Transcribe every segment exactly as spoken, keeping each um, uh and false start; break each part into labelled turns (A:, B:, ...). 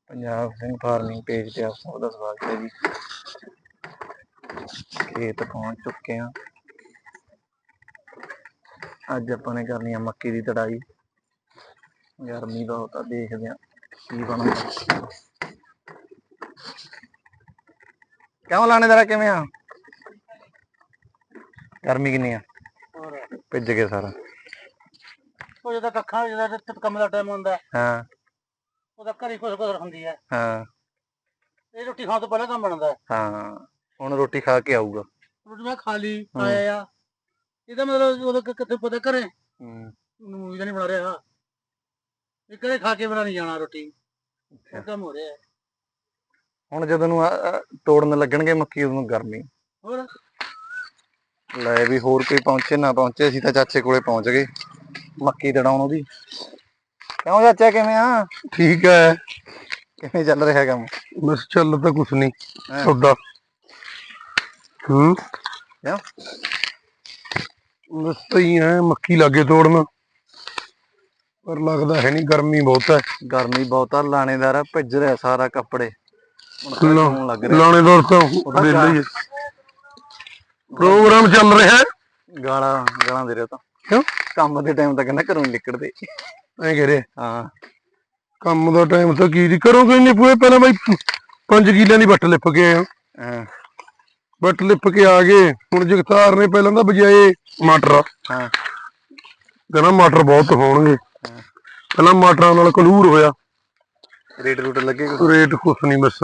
A: Punjab Singh farming page पे आप सबका स्वागत है जी। खेत पहुंच चुके हैं। अज अपने करनी है मक्की की तड़ाई। गर्मी बहुत है, देखते हैं की बनता। क्यों लाने जरा किवें आ गर्मी किन्नी आ भिज गए सारा
B: ਕੰਮ ਦਾ ਟਾਈਮ ਹੁੰਦਾ
A: हाँ
B: ਉਹਦਾ ਘਰੀ ਕੁਛ ਕੁਛ ਹੁੰਦੀ ਹੈ
A: हाँ
B: ਇਹ ਰੋਟੀ ਖਾਣ ਤੋਂ ਪਹਿਲਾਂ ਕੰਮ ਬਣਦਾ
A: हाँ ਹੁਣ ਰੋਟੀ ਖਾ ਕੇ ਆਊਗਾ।
B: ਰੋਟੀ ਮੈਂ ਖਾ ਲਈ ਆਇਆ ਆ ਇਹਦਾ ਮਤਲਬ ਉਹਦਾ ਕਿੱਥੇ ਪਤਾ ਘਰੇ
A: ਹੂੰ
B: ਮੂਵੀ ਦਾ ਨਹੀਂ ਬਣਾ ਰਿਹਾ ਇਹ ਘਰੇ ਖਾ ਕੇ ਬਣਾ ਨਹੀਂ ਜਾਣਾ ਰੋਟੀ ਉਹ ਕੰਮ ਹੋ ਰਿਹਾ
A: ਹੁਣ ਜਦੋਂ ਨੂੰ ਤੋੜਨ ਲੱਗਣਗੇ ਮੱਕੀ ਉਦੋਂ ਗਰਮੀ
B: ਹੋਰ
A: ਲੈ ਵੀ ਹੋਰ ਕੋਈ ਪਹੁੰਚੇ ਨਾ ਪਹੁੰਚੇ ਅਸੀਂ ਤਾਂ ਚਾਚੇ ਕੋਲੇ ਪਹੁੰਚ ਗਏ ਮੱਕੀ ਤੜਾਉਣ ਉਹਦੀ। ਕਿਉਂ ਚਾਚਾ ਕਿਵੇਂ ਆ?
C: ठीक है
A: ਕਿਵੇਂ ਚੱਲ ਰਿਹਾ ਕੰਮ?
C: बस चल तो कुछ नहीं
A: हाँ।
C: सौदा हम्म
A: क्यों?
C: बस तो ही है मक्की लागे तोड़ना पर लगता है नहीं गर्मी बहुत है।
A: गर्मी बहुत आ लानेदार भिज रहा सारा कपड़े
C: ला,
A: लग रहा
C: लानेदार तो वेला ही है प्रोग्राम चल रहा है
A: गाला गाला दे रहा था
C: क्यों
A: काम के टाइम तक घरों नहीं निकलते
C: ऐ कह रहे
A: हाँ
C: काम का टाइम तो की करोगे नहीं पूरे पहले भाई पांच किले की बट लिप के आए
A: हाँ
C: बट लिप के आ गए हूँ जगतार ने पहले तो बजाए मटर
A: हाँ
C: कहना मटर बहुत होंगे पहला मटरां नाल कलूर होया
A: रेट रूट लगे
C: रेट कुछ नहीं बस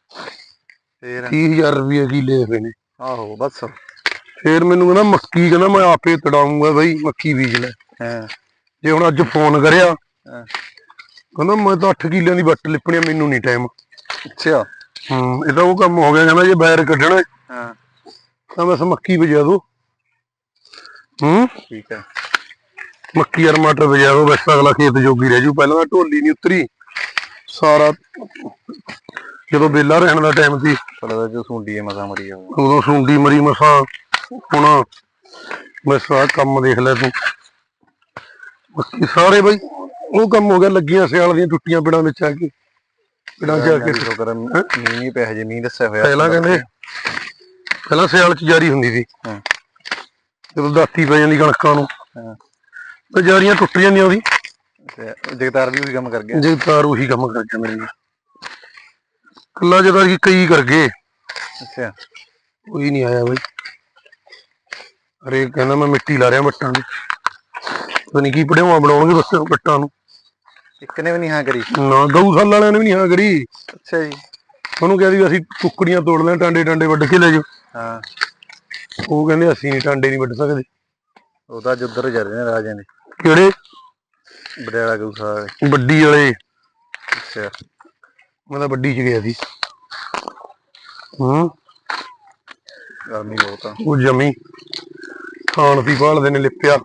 A: फिर
C: तीह हजार रुपये किले हुए ने
A: आहो बस
C: फिर मैनू कहना मक्की कहना मैं आपे तड़ाऊंगा बई मक्की बीज लै
A: हाँ
C: जे हुण अज फोन करिया
A: हाँ
C: कहना मैं तो अठ किले की बट लिपनी मैनू नहीं टाइम।
A: अच्छा
C: हम्म ये तो वो काम हो गया कहना जे बैर कढ़ना
A: हाँ
C: तो बस मक्की बजा दो। हम्म
A: ठीक है
C: मक्की और मटर बजा दो बस अगला खेत जोगी रह जू पहला ढोली नहीं उतरी सारा जो बेला रहने का टाइम थी
A: पता जो सुंडी है मसा मरी है
C: उदों सुंडी मरी मसा हुण बस आ कम देख लै तू बाकी सारे बई वो कम हो गया लगियां सियाल दी टुटियां पिड़ां विच आके पिड़ां च आके
A: शुक्र मींह नहीं पिया जे मींह दस्सिया होया
C: पहला कहंदे पहला सियाल च जारी हुंदी सी
A: हाँ
C: जदों दाती पै जांदी कणकां नूं
A: हाँ
C: ते जारियां टुट जांदियां ओदी
A: जगतार भी उही काम कर गया
C: जगतार उही काम कर गया मेरे कल्ला जदा कि कई कर गए
A: अच्छा
C: कोई नहीं आया भाई अरे कहना मैं मिट्टी ला रहा बट्टां दी पता नहीं की पड़ेवा बनाउणगे बस बट्टां नूं
A: एक ने भी नहीं हाँ करी
C: ना गऊशाला वालियां ने भी नहीं हाँ करी।
A: अच्छा जी
C: ਉਹਨੂੰ ਕਹਿ ਦੀ ਅਸੀਂ ਕੁੱਕੜੀਆਂ ਤੋੜ ਲੈ ਟਾਂਡੇ ਟਾਂਡੇ ਵੱਢ ਕੇ ਲੈ ਜਾਓ
A: ਹਾਂ
C: ਉਹ ਕਹਿੰਦੇ ਅਸੀਂ ਨਹੀਂ ਟਾਂਡੇ ਨਹੀਂ ਵੱਢ ਸਕਦੇ
A: ਉਹ ਤਾਂ ਅੱਜ ਉੱਧਰ ਜਾ ਰਹੇ ਨੇ ਰਾਜਿਆਂ ਦੇ
C: ਕਿਹੜੇ
A: ਬੜਿਆਲਾ ਗਊਸ਼ਾਲਾ
C: ਵੱਡੀ ਵਾਲੇ
A: ਅੱਛਾ
C: ਮੈਂ ਤਾਂ ਵੱਡੀ ਚ ਗਿਆ ਸੀ। ਹੂੰ
A: ਗਰਮੀ ਬਹੁਤ ਆ
C: ਉਹ ਜਮੀ ਖਾਣ ਦੀ ਭਾਲਦੇ ਨੇ ਲਿਪਿਆ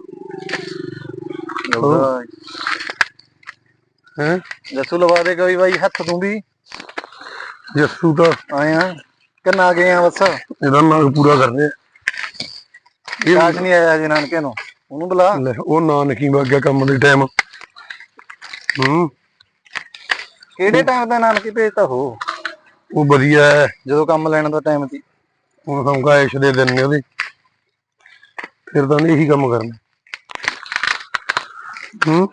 C: ਹੈ
A: ਜੱਸੂ ਲਵਾ ਦੇ ਕੋਈ ਬਾਈ ਹੱਥ ਤੂੰ ਵੀ
C: ਜੱਸੂ ਤਾਂ
A: ਆਏ ਆ ਕਿੰਨਾ ਗਏ ਆ ਬਸ
C: ਇਹਦਾ ਨਾਗ ਪੂਰਾ ਕਰ ਰਿਹਾ
A: ਕਾਸ਼ ਨਹੀਂ ਆਇਆ ਜੀ ਨਾਨਕੇ ਨੂੰ ਉਹਨੂੰ ਬੁਲਾ
C: ਲੈ ਉਹ ਨਾਨਕੀ ਵਗ ਗਿਆ ਕੰਮ ਦੇ ਟਾਈਮ। ਹੂੰ
A: ਕਿਹੜੇ ਟਾਈਮ ਦਾ ਨਾਨਕੀ ਭੇਜਤਾ ਹੋ
C: ਉਹ ਵਧੀਆ ਹੈ
A: ਜਦੋਂ ਕੰਮ ਲੈਣ ਦਾ ਟਾਈਮ ਸੀ
C: ਹੁਣ ਸਮਕਾ ਐਸ਼ ਦੇ ਦਿਨ ਨੇ ਉਹਦੇ ਫਿਰ ਤਾਂ ਇਹੀ ਕੰਮ ਕਰਨਾ। ਹੂੰ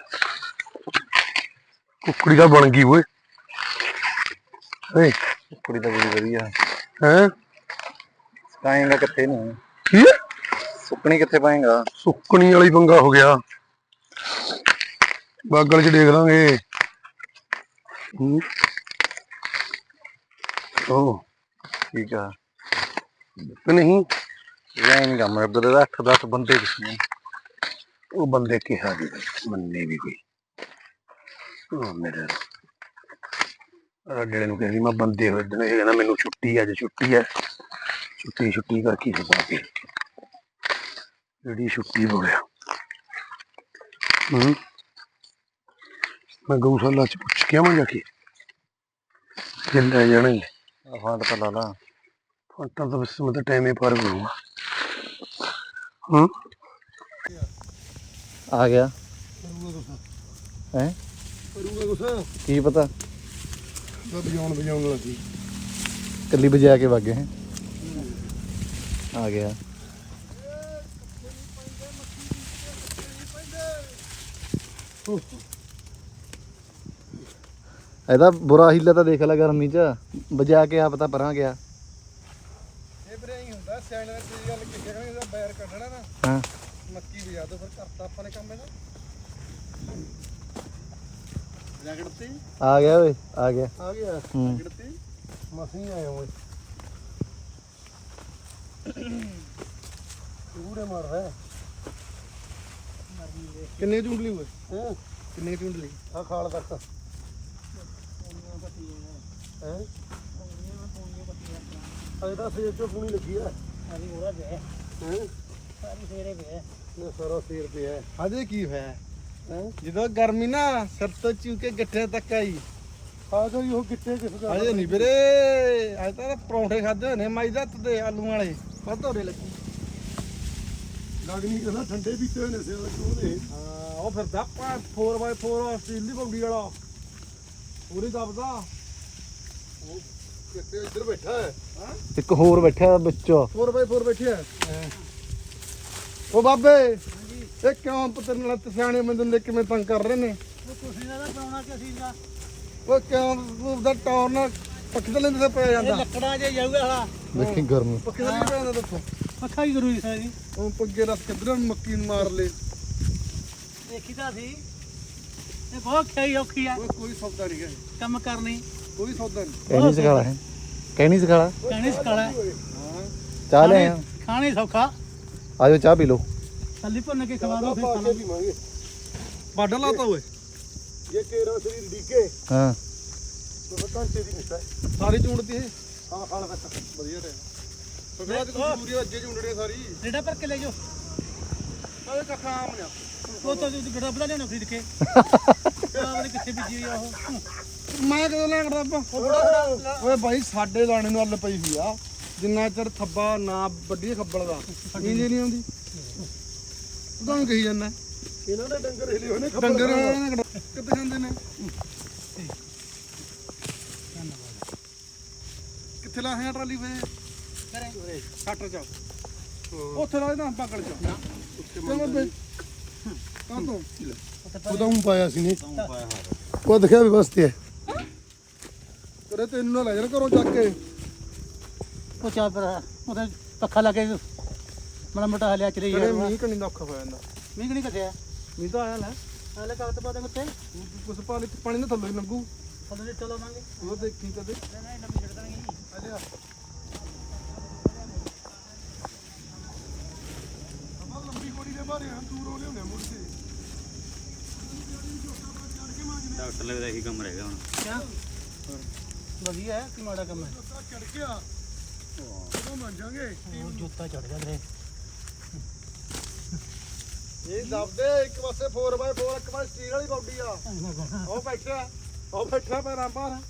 C: ਕੁੱਕੜੀ ਦਾ ਬਣ ਗਈ ਓਏ ਏ
A: ਕੁੜੀ ਤਾਂ ਬੜੀ ਵਧੀਆ
C: ਹੈ
A: ਪਾਏਗਾ ਕਿੱਥੇ ਨੂੰ
C: ਕੀ
A: ਸੁੱਕਣੀ ਕਿੱਥੇ ਪਾਏਗਾ
C: ਸੁੱਕਣੀ ਵਾਲੀ ਪੰਗਾ ਹੋ ਗਿਆ ਬਾਗਲ ਚ ਦੇਖ ਲਾਂਗੇ। ਹੂੰ ਉਹ
A: ਠੀਕ ਆ
C: ਕਿ ਨਹੀਂ
A: ਇਹ ਨਹੀਂ ਕੰਮ ਕਰਦੇ ਦਾ ਅੱਠ ਦਸ ਬੰਦੇ ਕਿਸਨੇ
C: ਉਹ ਬੰਦੇ ਕਿਹਾ ਵੀ ਮੰਨੇ ਵੀ ਕੋਈ ਉਹ ਮੇਰੇ ਰਾਜੇ ਨੂੰ ਕਹਿੰਦੀ ਮੈਂ ਬੰਦੇ ਹੋਏ ਦਿਨ ਕਹਿੰਦਾ ਮੈਨੂੰ ਛੁੱਟੀ ਅੱਜ ਛੁੱਟੀ ਹੈ ਛੁੱਟੀ ਛੁੱਟੀ ਕਰਕੇ ਸਦਾ ਕੇ ਜਿਹੜੀ ਛੁੱਟੀ ਬੋਲਿਆ। ਹੂੰ ਮੈਂ ਗਊਸ਼ਾਲਾ ਚ ਪੁੱਛ ਕੇ ਆਵਾਂ ਜਾ ਕੇ ਜੇ ਲੈ ਜਾਣਗੇ
A: ਫਾਂਟ ਤਾਂ ਲਾ ਲਾ
C: ਫਾਂਟਾਂ ਤਾਂ ਬਸ ਮੈਂ ਤਾਂ ਟਾਈਮੇ ਪਾਰ ਕਰੂੰਗਾ। ਹੂੰ
A: ਆ ਗਿਆ
C: ਕਰੂਗਾ ਕੁਛ
A: ਹੈ
C: ਕਰੂਗਾ ਕੁਛ
A: ਕੀ ਪਤਾ
C: ਤਾਂ ਵਜਾਉਣ ਵਜਾਉਣ ਲੱਗੀ
A: ਕੱਲੀ ਵਜਾ ਕੇ ਵਗ ਗਏ ਹੈਂ। ਆ ਗਿਆ ਇਹਦਾ ਬੁਰਾ ਹੀਲਾ ਤਾਂ ਦੇਖ ਲੈ ਗਰਮੀ ਚ ਵਜਾ ਕੇ ਆਪ ਤਾਂ ਪਰਾਂ ਗਿਆ।
C: ਇਹ ਵੀਰੇ ਹੀ ਹੁੰਦਾ ਸਿਆਣੇ ਨੇ ਤੇ ਗੱਲ ਕਿੱਥੇ ਕਹਣੇ ਇਹਦਾ ਬੈਰ ਕੱਢਣਾ ਨਾ
A: ਹਾਂ
C: ਮੱਕੀ ਵਜਾ ਦੋ ਫਿਰ ਕਰਤਾ ਆਪਾਂ ਨੇ ਕੰਮ ਇਹਦਾ
B: ਰਗੜ ਤੇ
A: ਆ ਗਿਆ ਓਏ ਆ ਗਿਆ
C: ਆ ਗਿਆ
A: ਹੂੰ
B: ਰਗੜ ਤੇ
C: ਮਸੀਂ ਆਏ ਓਏ ਪੂਰੇ ਮਾਰ ਰਿਹਾ ਕਿੰਨੇ ਚੁੰਡਲੀ ਓਏ ਹਾਂ ਕਿੰਨੇ ਚੁੰਡਲੀ ਆ ਖਾਲ ਤੱਕ ਹੈ ਅਜੇ ਤਾਂ ਸੇਰ ਚੋਂ ਪੂਣੀ ਲੱਗੀ ਆ
B: ਅਰੀ ਹੋਰਾ ਪਿਆ
C: ਹੈ
B: ਸਾਰੀ ਫੇਰੇ ਪਿਆ
C: ਨਾ ਸਾਰਾ ਸੇਰ ਪਿਆ
D: ਹਜੇ ਕੀ ਹੋਇਆ
C: ਹੈ
D: ਜਦੋਂ ਗਰਮੀ ਨਾ ਸਿਰ ਤੋਂ ਚੂ ਕੇ ਗਿੱਠੇ ਤੱਕ ਆਈ
C: ਆ ਗਈ ਉਹ ਗਿੱਟੇ ਕਿਸ ਦਾ
D: ਹਜੇ ਨਹੀਂ ਵੀਰੇ ਅੱਜ ਤਾਂ ਪਰੌਂਠੇ ਖਾਦੇ ਹੋਏ ਨੇ ਮਾਈ ਦਾ ਤੇ ਆਲੂ ਵਾਲੇ ਵੱਧ ਹੋਰੇ ਲੱਗੀ
C: ਲੱਗਣੀ ਕਹਿੰਦਾ ਠੰਡੇ ਪੀਤੇ ਹੋਏ ਨੇ ਸੇਲ ਚੋਂ ਨੇ
D: ਹਾਂ ਉਹ ਫਿਰਦਾ ਫੋਰ ਬਾਏ ਫੋਰ ਸਟੀਲ ਦੀ ਬੌਡੀ ਵਾਲਾ ਪੂਰੀ ਦਬਦਾ
C: ਕਿੱਥੇ ਇੱਧਰ ਬੈਠਾ ਹੈ
A: ਇੱਕ ਹੋਰ ਬੈਠਾ ਵਿੱਚੋਂ
D: ਫੋਰ ਬਾਏ ਫੋਰ ਬੈਠਿਆ ਉਹ ਬਾਬੇ ਇਹ ਕਿਉਂ ਪੁੱਤਰ ਨਾਲ ਸਿਆਣੇ ਬੰਦੇ ਨੇ ਕਿਵੇਂ ਤੰਗ ਕਰ ਰਹੇ ਨੇ
B: ਉਹ ਤੁਸੀਂ ਦਾ ਪਾਉਣਾ ਕਿ ਅਸੀਂ ਦਾ
D: ਉਹ ਕਿਉਂ ਉਹਦਾ ਟੌਰ ਨਾਲ ਪੱਖੇ ਤੇ ਲੈਂਦੇ ਤੇ ਪਿਆ
B: ਇਹ
D: ਜਾਂਦਾ
B: ਲੱਕੜਾਂ 'ਚ ਜਾਊਗਾ ਹਲਾ
A: ਦੇਖੀ ਗਰਮੀ
D: ਪੱਖੇ ਤੇ ਨਹੀਂ ਪਿਆ ਜਾਂਦਾ ਦੱਸੋ
B: ਪੱਖਾ ਹੀ ਜ਼ਰੂਰੀ ਸਾਡੀ
D: ਉਹ ਪੱਗੇ ਰੱਖ ਕਿੱਧਰ ਮੱਕੀ ਨੂੰ ਮਾਰ ਲੇ
B: ਦੇਖੀ ਤਾਂ ਸੀ ਇਹ ਬਹੁਤ ਖਈ ਔਖੀ ਆ
D: ਉਹ ਕੋਈ ਸੌਦਾ ਨਹੀਂ ਹੈ
B: ਕੰਮ ਕਰਨੀ
D: ਕੋਈ ਸੌਦਾ ਨਹੀਂ
A: ਕਹਿਣੀ ਸਿਖਾਲਾ ਹੈ ਕਹਿਣੀ ਸਿਖਾਲਾ
B: ਕਹਿਣੀ ਸਕਾਲਾ
D: ਹਾਂ
A: ਚਾਹ ਲੈ ਆ
B: ਖਾਣੀ ਸੌਖਾ
A: ਆਜੋ ਚਾਹ ਪੀ ਲਓ
B: ਥੱਲੀ ਭੁੰਨ ਕੇ ਖਵਾ ਦੋ ਫਿਰ
C: ਪਾ
B: ਖਾਣਾ
C: ਕੇ ਪੀਵਾਂਗੇ
D: ਬਾਡਾ ਲਾਤਾ ਓਏ
C: ਇਹ ਕੇਰਾ ਸਰੀਰ ਡੀਕੇ
A: ਹਾਂ
C: ਉਹ ਘੰਟੇ ਦੀ ਮਿੱਟਾ
D: ਸਾਰੀ ਚੂੰਡਤੀ ਇਹ
C: ਹਾਂ ਖਾਲ ਤੱਕ
D: ਵਧੀਆ ਟਾਈਮ ਸਗਲਾ ਤੇ ਕੋਈ ਪੂਰੀ ਅੱਜੇ ਚੂੰਡਣੇ ਸਾਰੀ
B: ਰੇੜਾ ਭਰ ਕੇ ਲੈ ਜਾਓ
D: ਸਾਰੇ ਕੱਖਾਂ ਆਮ ਨੇ
B: ਉਹ ਤਾਂ ਤੁਸੀਂ ਗੜਾ ਬਣਾ ਲਿਆਉਣਾ ਖਰੀਦ ਕੇ ਆਹ ਕਿੱਥੇ ਬੀਜੀ ਹੋਈ ਆ ਉਹ
D: ਮੈਂ ਕਦੋਂ ਲੈ ਕਰਦਾ ਆਪਾਂ ਓਏ ਭਾਈ ਸਾਡੇ ਦਾਣੇ ਨੂੰ ਅੱਲ ਪਈ ਹੋਈ ਆ ਜਿੰਨਾ ਚਿਰ ਥੱਬਾ ਨਾ ਵੱਡੀ ਖੱਬਲ ਦਾ ਨੀਂਦ ਹੀ ਨਹੀਂ ਆਉਂਦੀ ਉਦਾਂ ਕਹੀ ਜਾਂਦਾ
C: ਇਹਨਾਂ ਦੇ ਡੰਗਰ ਹਿਲੇ ਹੋਏ ਨੇ ਖੱਬਲ
D: ਡੰਗਰ ਇਹਨਾਂ ਨੇ ਕਿੱਥੇ ਜਾਂਦੇ ਨੇ ਕਿੱਥੇ ਲਾ ਹੈ ਟਰਾਲੀ ਵੇ
B: ਕਰੇ
D: ਸੱਟ ਚ ਉੱਥੇ ਲਾ ਨਾ ਪਕੜ ਚ ਚਲੋ ਬਈ ਕਾ ਤੋਂ
C: ਉਹਦਾ ਉਂ ਪਾਇਆ ਸੀ ਨੇ ਉਹ ਦਿਖਿਆ ਵੀ ਬਸਤੀ ਹੈ
D: ਕਰੇ ਤੈਨੂੰ ਨਾ ਲੈ ਜਾਣ ਘਰੋਂ ਚੱਕ ਕੇ
B: ਉਹ ਚਾਹ ਪਰ ਉਹਦੇ ਪੱਖਾ ਲਾ ਕੇ ਮੜਾ ਮੋਟਾ ਹਲਿਆ ਚਲੇ
D: ਕਰੇ
B: ਯਾਰ
D: ਮੀਂਹ ਕਣੀ ਦਾ ਔਖਾ ਹੋ ਜਾਂਦਾ
B: ਮੀਂਹ ਨਹੀਂ ਕੱਟਿਆ
D: ਮੀਂਹ ਤਾਂ ਆਇਆ ਲੈ
B: ਹਲੇ ਕਾਗਜ਼ ਪਾ ਦੇ ਉੱਤੇ
D: ਕੁਛ ਪਾਣੀ ਪਾਣੀ ਨਾ ਥੱਲੇ ਲੰਗੂ
B: ਥੱਲੇ ਚਲੋ ਮੰਗੇ
D: ਉਹ ਦੇਖੀ ਕਦੇ
B: ਨਹੀਂ ਨਵੀਂ ਛੱਡ ਦੇਣਗੇ
D: ਅਜੇ ਆ
C: ਲੰਬੀ ਕੋੜੀ ਦੇ ਬਾਰੇ ਹਾਂ ਦੂਰੋਂ ਲਿਆਉਣੇ ਮੁੜ ਕੇ
E: ਡਾਕਟਰ ਲੱਗਦਾ ਇਹੀ ਕੰਮ ਰਹਿ ਗਿਆ ਹੁਣ
B: ਕਿਆ ਵਧੀਆ ਹੈ ਕਿ ਮਾੜਾ ਕੰਮ ਹੈ
C: ਚੜ ਗਿਆ ਕਦੋਂ ਮੰਨ ਜਾਾਂਗੇ
B: ਉਹ ਜੁੱਤਾ ਚੜ ਗਿਆ ਤੇਰੇ
D: ਇਹ ਦਬਦੇ ਇੱਕ ਪਾਸੇ ਫੋਰ ਬਾਏ ਫੋਰ ਇੱਕ ਪਾਸੇ ਸਟੀਲ ਵਾਲੀ ਬੌਡੀ ਆ ਉਹ ਬੈਠਾ ਉਹ ਬੈਠਾ ਪੈਰਾਂ ਭਾਰ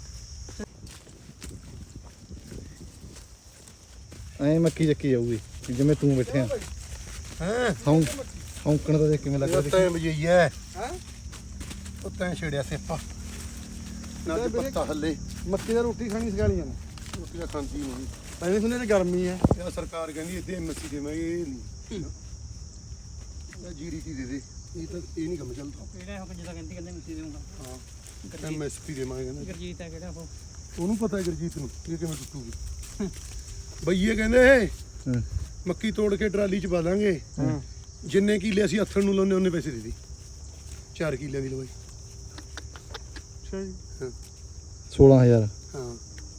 A: ਐ ਮੱਕੀ ਚੱਕੀ ਜਾਊਗੀ ਜਿਵੇਂ ਤੂੰ ਬੈਠਿਆ
C: ਹੈ
A: ਹੌਂ ਹੌਂਕਣ ਦਾ ਦੇਖ ਕਿਵੇਂ ਲੱਗਦਾ ਦੇਖੀ।
C: ਤੈਂ ਵਜਈ ਹੈ
D: ਹੈ
C: ਉਹ ਤੈਂ ਛੇੜਿਆ ਸੇਪਾ ਨਾ ਤੇ ਪੱਤਾ ਹੱਲੇ
D: ਮੱਕੀ ਦਾ ਰੋਟੀ ਖਾਣੀ ਸਿਖਾਲੀਆਂ ਨੇ
C: ਰੋਟੀ ਦਾ ਖਾਂਦੀ ਨਹੀਂ
D: ਪਹਿਲੇ ਸੁਣਿਆ ਤੇ ਗਰਮੀ ਹੈ
C: ਇਹ ਸਰਕਾਰ ਕਹਿੰਦੀ ਇੱਥੇ ਐਮਐਸਸੀ ਦੇਵਾਂਗੇ ਇਹ ਨਹੀਂ ਇਹ ਜੀਡੀਟੀ ਦੇ ਦੇ ਇਹ ਤਾਂ ਇਹ ਨਹੀਂ ਕੰਮ ਚੱਲਦਾ
B: ਕਿਹੜਾ ਹੋ ਜਿੱਦਾਂ ਕਹਿੰਦੀ ਕਹਿੰਦੇ ਮਿੱਟੀ ਦੇਊਂਗਾ
C: ਹਾਂ ਐਮਐਸਪੀ ਦੇਵਾਂਗੇ ਕਹਿੰਦਾ
B: ਗੁਰਜੀਤ ਹੈ ਕਿਹੜਾ ਉਹ
C: ਉਹਨੂੰ ਪਤਾ ਹੈ ਗੁਰਜੀਤ ਨੂੰ ਇਹ ਕਿਵੇਂ ਟੁੱਟੂਗੀ ਬਈਏ ਕਹਿੰਦੇ
A: ਹੂੰ।
C: ਮੱਕੀ ਤੋੜ ਕੇ ਟਰਾਲੀ ਚ ਪਾ ਦਾਂਗੇ
D: ਹਾਂ
C: ਜਿੰਨੇ ਕਿੱਲੇ ਅਸੀਂ ਹੱਥਣ ਨੂੰ ਲਾਉਂਦੇ ਉਹਨੇ ਪੈਸੇ ਦੇ ਦੀ ਚਾਰ ਕਿੱਲਿਆਂ ਦੀ ਲਵਾਈ
D: ਅੱਛਾ ਜੀ
A: ਸੋਲਾਂ ਹਜ਼ਾਰ
C: ਹਾਂ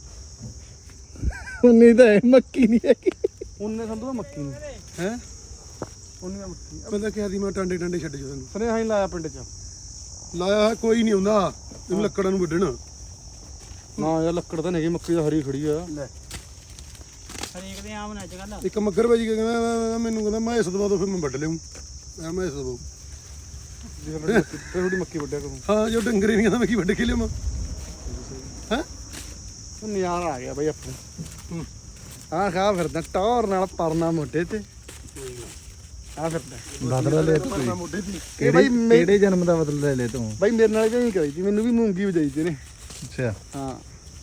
A: ਉਨੀ ਤਾਂ ਇਹ ਮੱਕੀ ਨਹੀਂ ਹੈਗੀ
D: ਉਹਨੇ ਸੰਧੂ ਦਾ ਮੱਕੀ ਨੂੰ
C: ਹੈ
D: ਉਹਨੇ ਦਾ ਮੱਕੀ
C: ਪਹਿਲਾਂ ਕਿਹਾ ਸੀ ਮੈਂ ਟਾਂਡੇ ਟਾਂਡੇ ਛੱਡ ਜਾ ਤੈਨੂੰ
D: ਸੁਨੇਹਾ ਹੀ ਲਾਇਆ ਪਿੰਡ ਚ
C: ਲਾਇਆ ਹੈ, ਕੋਈ ਨਹੀਂ ਆਉਂਦਾ ਇਹਨੂੰ ਲੱਕੜਾਂ ਨੂੰ ਵੱਢਣਾ
D: ਨਾ ਯਾਰ ਲੱਕੜ ਤਾਂ ਨਹੀਂ ਹੈਗੀ ਮੱਕੀ ਦਾ ਹਰੀ ਖੜੀ ਆ
C: ਲੈ
B: ਹਰੇਕ ਦੇ ਆਮ ਨਾ ਅੱਜ ਕੱਲ
C: ਇੱਕ ਮੱਗਰ ਭਾਜੀ ਕਹਿੰਦਾ ਮੈਂ- ਮੈਂ- ਮੈਂ- ਮੈਨੂੰ ਕਹਿੰਦਾ ਮੈਂ ਇਸ ਦਵਾ ਦੋ ਫਿਰ ਮੈਂ ਵੱਢ ਲਿਆਉਂ ਮੈਂ ਮੈਂ ਇਸ ਦਵਾ
D: ਫਿਰ ਥੋੜੀ ਮੱਕੀ ਵੱਢਿਆ ਕਰੂੰ
C: ਹਾਂ ਜੋ ਡੰਗਰੇ ਨਹੀਂ ਕਹਿੰਦਾ ਮੈਂ ਕੀ ਵੱਢ ਕੇ ਲਿਆਵਾਂ ਹੈ
D: ਉਹ ਨਿਆਰਾ ਆ ਗਿਆ ਬਈ ਆਪੂ ਹੂੰ ਆਹ ਖਾ ਫਿਰਦਾ ਟੌਰ ਨਾਲ ਪਰਨਾ ਮੋਢੇ ਤੇ ਆ ਫਿਰਦਾ
A: ਬਦਲਾ ਲੈ ਤੂੰ
C: ਮੈਂ ਮੋਢੇ ਦੀ
D: ਇਹ
A: ਕਿਹੜੇ
D: ਬਾਈ ਮੇ-
A: ਕਿਹੜੇ ਜਨਮ ਦਾ ਬਦਲਾ ਲੈ ਲੈ ਤੂੰ
D: ਬਾਈ ਮੇਰੇ ਨਾਲ ਵੀ ਐਂ ਕਰੀ ਸੀ ਮੈਨੂੰ ਵੀ ਮੂੰਗੀ ਵਜਾਈ ਤੇ ਨੇ
A: ਅੱਛਾ
D: ਹਾਂ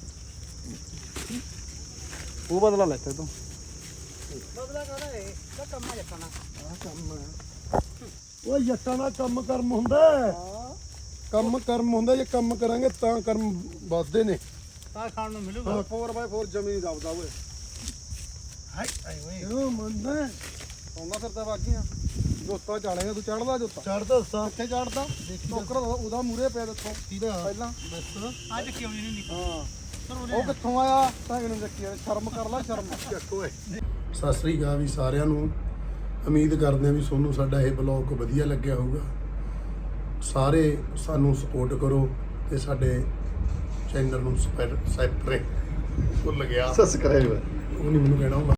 D: ਉਹ ਬਦਲਾ ਲੈਤਾ ਤੂੰ
B: ਬਦਲਾ ਕਹਦਾ ਇਹ ਤਾਂ ਕੰਮਾਂ ਜੱਟਣਾ
D: ਆ ਕੰਮ ਹੈ ਉਹ ਜੱਟਾਂ ਦਾ ਕੰਮ ਕਰਮ ਹੁੰਦਾ ਹੈ। ਕੰਮ ਕਰਮ ਹੁੰਦਾ, ਜੇ ਕੰਮ ਕਰਾਂਗੇ ਤਾਂ ਕਰਮ ਵੱਧਦੇ ਨੇ।
B: ਤਾਂ ਖਾਣ ਨੂੰ ਮਿਲੂਗਾ।
D: ਫੋਰ ਬਾਈ ਫੋਰ ਜ਼ਮੀਨ ਦਬਦਾ ਓਏ
B: ਹਾਈ ਹਾਈ ਓਏ
D: ਕਿਉਂ ਮੰਨਦਾ ਸੌਂਦਾ ਫਿਰਦਾ ਬਾਗੀਆਂ ਜੋਤਾ ਚਾੜੇਗਾ ਤੂੰ ਚੜਦਾ ਜੋਤਾ
B: ਚੜਦਾ ਦੱਸਾਂ
D: ਕਿੱਥੇ ਚੜਦਾ ਟੋਕਰ ਉਹਦਾ ਮੂਰੇ ਪਿਆ ਦੇਖੋ ਪਹਿਲਾਂ
B: ਅੱਜ ਕਿਉਂ ਨਹੀਂ ਨਿਕਲ
D: ਹਾਂ ਉਹ ਕਿੱਥੋਂ ਆਇਆ ਤਾਂ ਕਿਨੂੰ ਦੇਖੀ ਸ਼ਰਮ ਕਰ ਲੈ ਸ਼ਰਮ ਚੱਕ ਓਏ ਸਤਿ ਸ੍ਰੀ ਅਕਾਲ ਵੀ ਸਾਰਿਆਂ ਨੂੰ। ਉਮੀਦ ਕਰਦੇ ਹਾਂ ਵੀ ਤੁਹਾਨੂੰ ਸਾਡਾ ਇਹ ਬਲੌਗ ਵਧੀਆ ਲੱਗਿਆ ਹੋਊਗਾ। ਸਾਰੇ ਸਾਨੂੰ ਸਪੋਰਟ ਕਰੋ ਤੇ ਸਾਡੇ ਚੈਨਲ ਨੂੰ ਸਬਸਕ੍ਰਾਈਬ ਭੁੱਲ ਗਿਆ
A: ਸਬਸਕ੍ਰਾਈਬ
D: ਉਹ ਨਹੀਂ ਮੈਨੂੰ ਕਹਿਣਾ ਹੁੰਦਾ।